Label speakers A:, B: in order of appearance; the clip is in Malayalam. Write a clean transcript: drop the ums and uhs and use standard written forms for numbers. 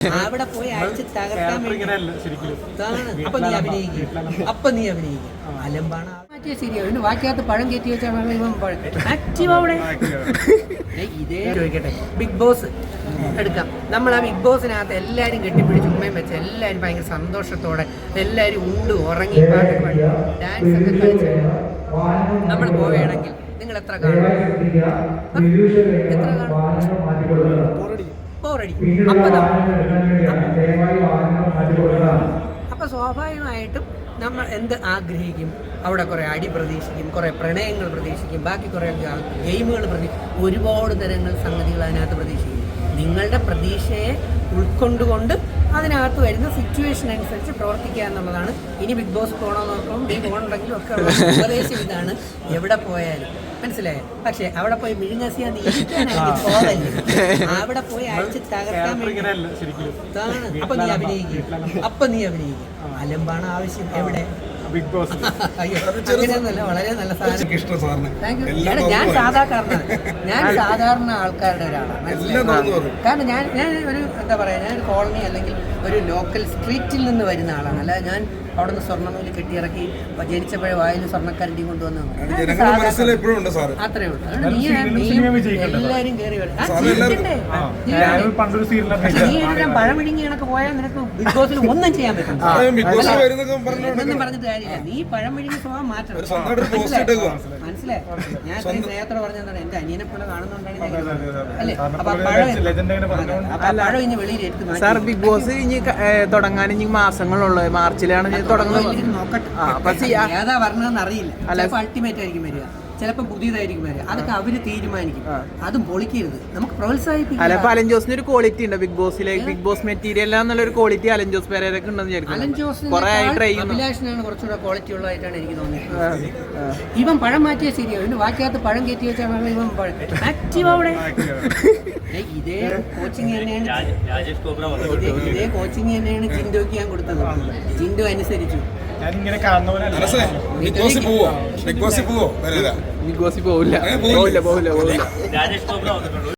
A: അവിടെ പോയി അടിച്ച് തകർക്കാൻ വേണ്ടി അപ്പൊ നീ അഭിനയിക്കും അലമ്പാണ് മാറ്റിയ ശരിയാ. പിന്നെ വാക്കിനകത്ത് പഴം കയറ്റി വെച്ചാൽ ഇവൻ ആക്റ്റീവ് അവിടെ. ഇതേ ചോദിക്കട്ടെ, ബിഗ് ബോസ് എടുക്കാം. നമ്മൾ ആ ബിഗ് ബോസിനകത്ത് എല്ലാവരും കെട്ടിപ്പിടിച്ച് ഉമ്മയും വെച്ച് എല്ലാവരും ഭയങ്കര സന്തോഷത്തോടെ എല്ലാവരും ഉണ്ട് ഉറങ്ങി പാട്ട് പാടി ഡാൻസ് ഒക്കെ കളിച്ച് നമ്മൾ പോവുകയാണെങ്കിൽ നിങ്ങൾ എത്ര കാണും? എത്ര കാണും? അപ്പൊ സ്വാഭാവികമായിട്ടും നമ്മൾ എന്ത് ആഗ്രഹിക്കും? അവിടെ കുറേ അടി പ്രതീക്ഷിക്കും, കുറേ പ്രണയങ്ങൾ പ്രതീക്ഷിക്കും, ബാക്കി കുറേ ഗെയിമുകൾ ഒരുപാട് തരങ്ങൾ സംഗതികൾ അതിനകത്ത് പ്രതീക്ഷിക്കും. നിങ്ങളുടെ പ്രതീക്ഷയെ ഉൾക്കൊണ്ടുകൊണ്ട് അതിനകത്ത് വരുന്ന സിറ്റുവേഷൻ അനുസരിച്ച് പ്രവർത്തിക്കുക എന്നുള്ളതാണ്. ഇനി ബിഗ് ബോസ് പോകണമെന്ന് നോക്കുമ്പോൾ നീ പോകണമെങ്കിലും ഒക്കെ ഉപദേശം ഇതാണ്. എവിടെ പോയാലും മനസ്സിലായോ? പക്ഷെ അവിടെ പോയി മിഴുങ്ങസിയാന്ന് ഇരിക്കാനായിട്ട് പോകല്ലേ, അവിടെ പോയി അടിച്ച് തകർക്കാൻ വേണ്ടി അപ്പൊ നീ അഭിനയിക്കും. അലമ്പാണ് ആവശ്യം. എവിടെ? Big Boss. അങ്ങനെയൊന്നുമല്ല, വളരെ നല്ല സാധനം. ഞാൻ സാധാരണ ആൾക്കാരുടെ ഒരാളാണ്. കാരണം ഞാൻ ഒരു എന്താ പറയാ, ഞാൻ ഒരു കോളനി അല്ലെങ്കിൽ ഒരു ലോക്കൽ സ്ട്രീറ്റിൽ നിന്ന് വരുന്ന ആളാണ്. അല്ലാതെ ഞാൻ അവിടെ നിന്ന് സ്വർണ്ണനൂല് കെട്ടിയിറക്കി ജനിച്ചപ്പോഴേ വായിൽ സ്വർണ്ണക്കരണ്ടി കൊണ്ടുവന്നു അത്രേ ഉള്ളൂ. എല്ലാവരും കയറി വരും. പഴമിഴുങ്ങി കണക്ക് പോയാൽ നിനക്ക് ബിഗ് ബോസിൽ ഒന്നും ചെയ്യാൻ പറ്റും എന്നൊന്നും പറഞ്ഞിട്ട് കാര്യമില്ല. നീ പഴമിഴുങ്ങി സ്വഭാവം മാറ്റണം. മനസ്സിലായി? ഞാൻ ഇത്രയും സ്നേഹത്തോടെ പറഞ്ഞതാണ് എന്റെ അനിയനെ പോലെ കാണുന്നുണ്ടാണ് അല്ലേ. അപ്പൊ പഴം ഇനി വെളിയിൽ എടുത്ത് മാറ്റി.
B: ബിഗ് ബോസ് ഇനി തുടങ്ങാൻ ഇനി മാസങ്ങളുള്ളൂ. മാർച്ചിലാണ് തുടങ്ങുന്നത്.
A: നോക്കട്ടെ ഏതാ പറഞ്ഞതെന്ന് അറിയില്ല. ചിലപ്പോൾ അൾട്ടിമേറ്റ് ആയിരിക്കും വരിക, ചിലപ്പോൾ പുതിയതായിരിക്കും വരിക. അതൊക്കെ അവര് തീരുമാനിക്കും. അതും പൊളിക്കരുത്, നമുക്ക് പ്രോത്സാഹിപ്പിക്കും.
B: അല്ല, അലൻ ജോസിന് ഒരു ക്വാളിറ്റി ഉണ്ട് ബിഗ് ബോസിലെ. ബിഗ് ബോസ് മെറ്റീരിയൽ എന്നുള്ള ഒരു ക്വാളിറ്റി അലൻ ജോസ് പേരൊക്കെ ഉണ്ടെന്ന് വിചാരിക്കും.
A: അലൻ ജോസിന് അഭിലാഷിനാണ് കുറച്ചുകൂടെ ക്വാളിറ്റി ഉള്ളതായിട്ടാണ് എനിക്ക് തോന്നിയത്. ഇവൻ പഴം മാറ്റിയ ശരിയാ. ഇവന് വാക്കിനകത്ത് പഴം കയറ്റി വെച്ചാൽ ഇവൻ ആക്റ്റീവ് അവിടെ. ഇതേ കോച്ചിങ് തന്നെയാണ് ജിൻഡോക്ക് ഞാൻ കൊടുത്തത്. ജിൻഡോ അനുസരിച്ചു.
B: ബിഗ് ബോസിൽ പോവില്ല.